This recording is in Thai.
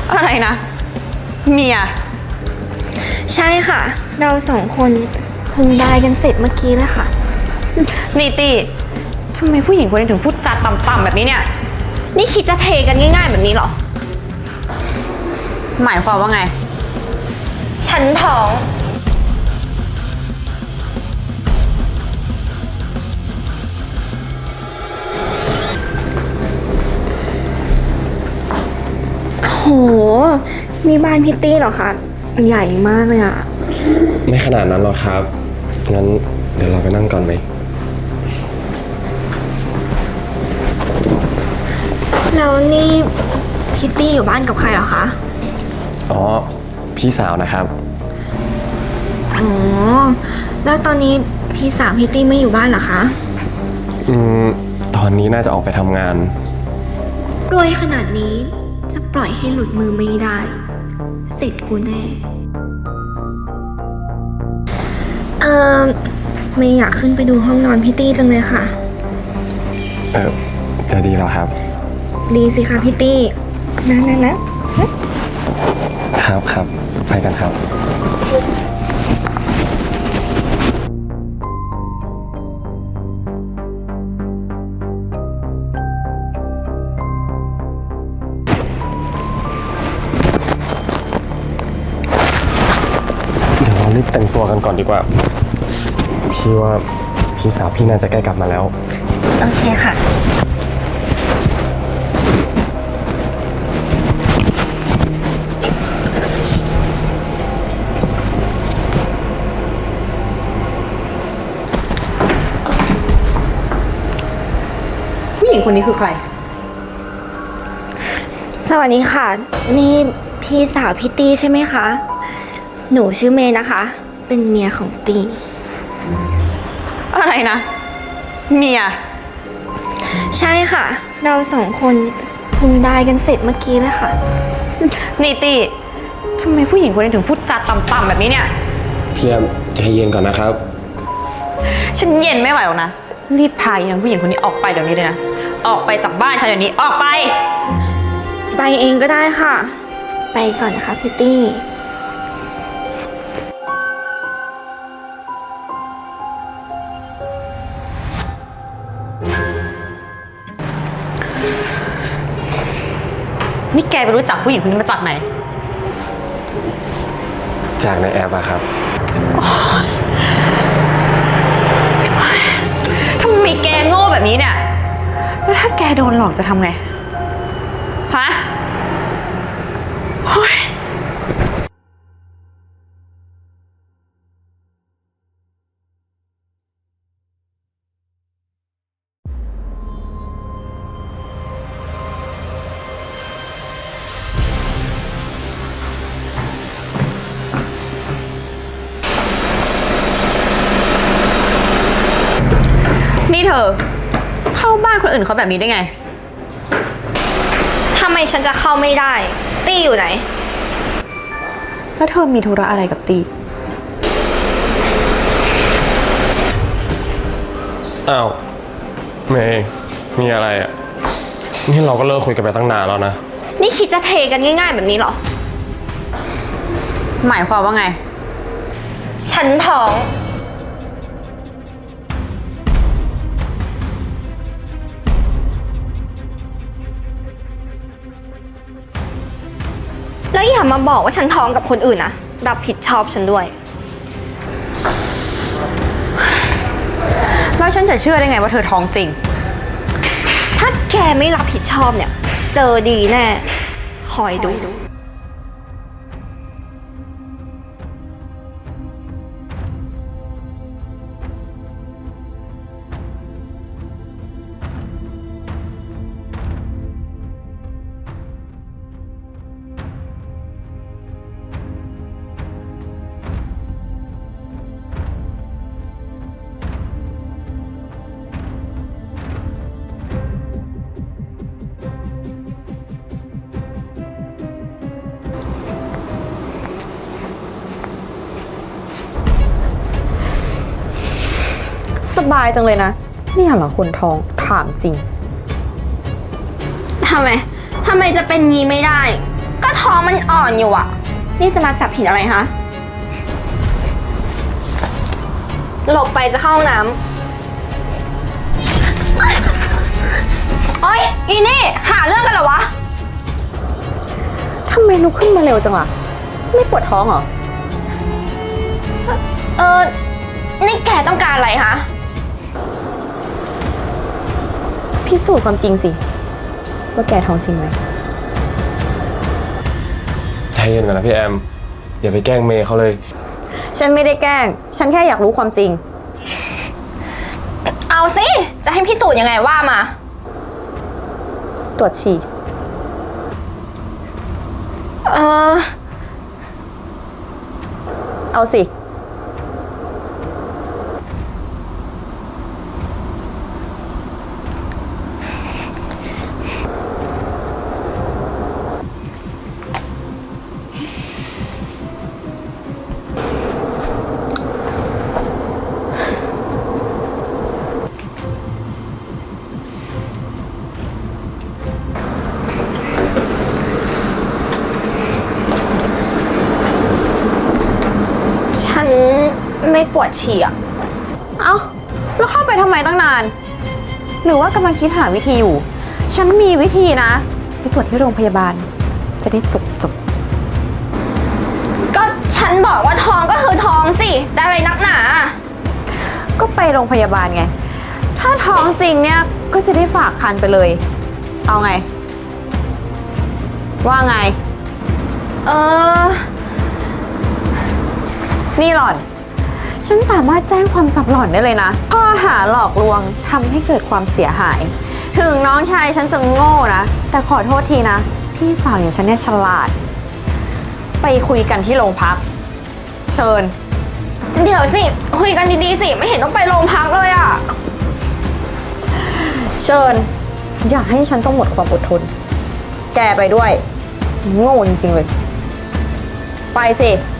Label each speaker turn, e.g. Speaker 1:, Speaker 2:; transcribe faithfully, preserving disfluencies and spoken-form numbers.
Speaker 1: อะไรนะเมีย
Speaker 2: ใช่ค่ะเราสองคนเพิ่งได้กันเสร็จเมื่อกี้เลยค่ะ
Speaker 1: นี่ตีทำไมผู้หญิงคนนี้ถึงพูดจาต่ำๆแบบนี้เนี่ย
Speaker 2: นี่คิดจะเทกันง่ายๆแบบนี้เหรอ
Speaker 1: หมายความว่าไง
Speaker 2: ฉันท้องโหนี่บ้านพิตตี้เหรอคะใหญ่มากเลยอะ
Speaker 3: ไม่ขนาดนั้นหรอกครับงั้นเดี๋ยวเราไปนั่งก่อนไหม
Speaker 2: แล้วนี่พิตตี้อยู่บ้านกับใครเหรอคะ
Speaker 3: อ๋อพี่สาวนะครับ
Speaker 2: อ๋อแล้วตอนนี้พี่สาวพิตตี้ไม่อยู่บ้านเหรอคะ
Speaker 3: อืมตอนนี้น่าจะออกไปทำงาน
Speaker 2: รวยขนาดนี้จะปล่อยให้หลุดมือไม่ได้เสร็จกูแน่เออไม่อยากขึ้นไปดูห้องนอนพี่ตี้จังเลยค่ะ
Speaker 3: เออจะดีเหรอครับ
Speaker 2: ดีสิคะพี่ตี้นะนะนะครับ
Speaker 3: ครับไปกันครับเดี๋ยวเรารีบแต่งตัวกันก่อนดีกว่าพี่ว่าพี่สาวพี่น่าจะใกล้กลับมาแล้ว
Speaker 2: โอเคค่ะ
Speaker 1: ผู้หญิงคนนี้คือใคร
Speaker 2: สวัสดีค่ะนี่พี่สาวพี่ตี้ใช่ไหมคะหนูชื่อเมย์นะคะเป็นเมียของตี
Speaker 1: อะไรนะเมีย
Speaker 2: ใช่ค่ะเราสองคนเพิ่งได้กันเสร็จเมื่อกี้เลยค่ะ
Speaker 1: นี่ตีทำไมผู้หญิงคนนี้ถึงพูดจาต่ำๆแบบนี้เนี่ย
Speaker 3: พี่แอมใจเย็นก่อนนะครับ
Speaker 1: ฉันเย็นไม่ไหวหรอกนะรีบพาอีนางผู้หญิงคนนี้ออกไปเดี๋ยวนี้เลยนะออกไปจากบ้านฉันเดี๋ยวนี้ออกไป
Speaker 2: ไปเองก็ได้ค่ะไปก่อนนะคะพี่ตี้
Speaker 1: นี่แกไปรู้จักผู้หญิงคนนี้มาจากไหน
Speaker 3: จากในแอปอะครับ
Speaker 1: ทำไมแกโง่แบบนี้เนี่ยแล้วถ้าแกโดนหลอกจะทำไงฮะนี่เธอเข้าบ้านคนอื่นเขาแบบนี้ได้ไง
Speaker 2: ทำไมฉันจะเข้าไม่ได้ตี้อยู่ไหน
Speaker 1: แล้วเธอมีธุระอะไรกับตี
Speaker 3: อ้าวเมย์มีอะไรอ่ะนี่เราก็เลิกคุยกันไปตั้งนานแล้วนะ
Speaker 2: นี่คิดจะเทกันง่ายๆแบบนี้เหรอ
Speaker 1: หมายความว่าไง
Speaker 2: ฉันท้องแล้วอย่ามาบอกว่าฉันท้องกับคนอื่นนะรับผิดชอบฉันด้วย
Speaker 1: แล้วฉันจะเชื่อได้ไงว่าเธอท้องจริง
Speaker 2: ถ้าแกไม่รับผิดชอบเนี่ยเจอดีแน่คอยดู
Speaker 1: สบายจังเลยนะนี่เหรอคนท้องถามจริง
Speaker 2: ทำไมทำไมจะเป็นงี้ไม่ได้ก็ท้องมาอนอยู่อะนี่จะมาจับผิดอะไรคะหลบไปจะเข้าห้องน้ำโอ๊ยอีนี่หาเรื่องกันเหรอวะ
Speaker 1: ทำไมลุกขึ้นมาเร็วจังวะไม่ปวดท้องเหรอ
Speaker 2: เออ นี่แกต้องการอะไรคะ
Speaker 1: พิสูจน์ความจริงสิ ว่าแกท้องจริงไหม
Speaker 3: ใจเย็นก่อนนะพี่แอม อย่าไปแกล้งเมย์เขาเลย
Speaker 1: ฉันไม่ได้แกล้ง ฉันแค่อยากรู้ความจริง
Speaker 2: เอาสิ จะให้พิสูจน์ยังไงว่ามา
Speaker 1: ตรวจฉี่
Speaker 2: เออ
Speaker 1: เอาสิ
Speaker 2: ฉันไม่ปวดฉี่อะ
Speaker 1: เอ้า แล้วเข้าไปทำไมตั้งนาน หรือว่ากำลังคิดหาวิธีอยู่ ฉันมีวิธีนะ ไปตรวจที่โรงพยาบาล จะได้จบจบ
Speaker 2: ก็ฉันบอกว่าท้องก็คือท้องสิ จะอะไรนักหนา
Speaker 1: ก็ไปโรงพยาบาลไง ถ้าท้องจริงเนี่ย ก็จะได้ฝากคันไปเลย เอาไง ว่าไง
Speaker 2: เออ
Speaker 1: นี่หล่อน ฉันสามารถแจ้งความจับหล่อนได้เลยนะ ข้อหาหลอกลวงทำให้เกิดความเสียหาย ถึงน้องชายฉันจะโง่นะ แต่ขอโทษทีนะ พี่สาวอย่างฉันเนี่ยฉลาด ไปคุยกันที่โรงพัก เชิญ
Speaker 2: เดี๋ยวสิ คุยกันดีๆสิ ไม่เห็นต้องไปโรงพักเลยอะ
Speaker 1: เชิญ อย่าให้ฉันต้องหมดความอดทน แกไปด้วย โง่จริงๆเลย ไปสิ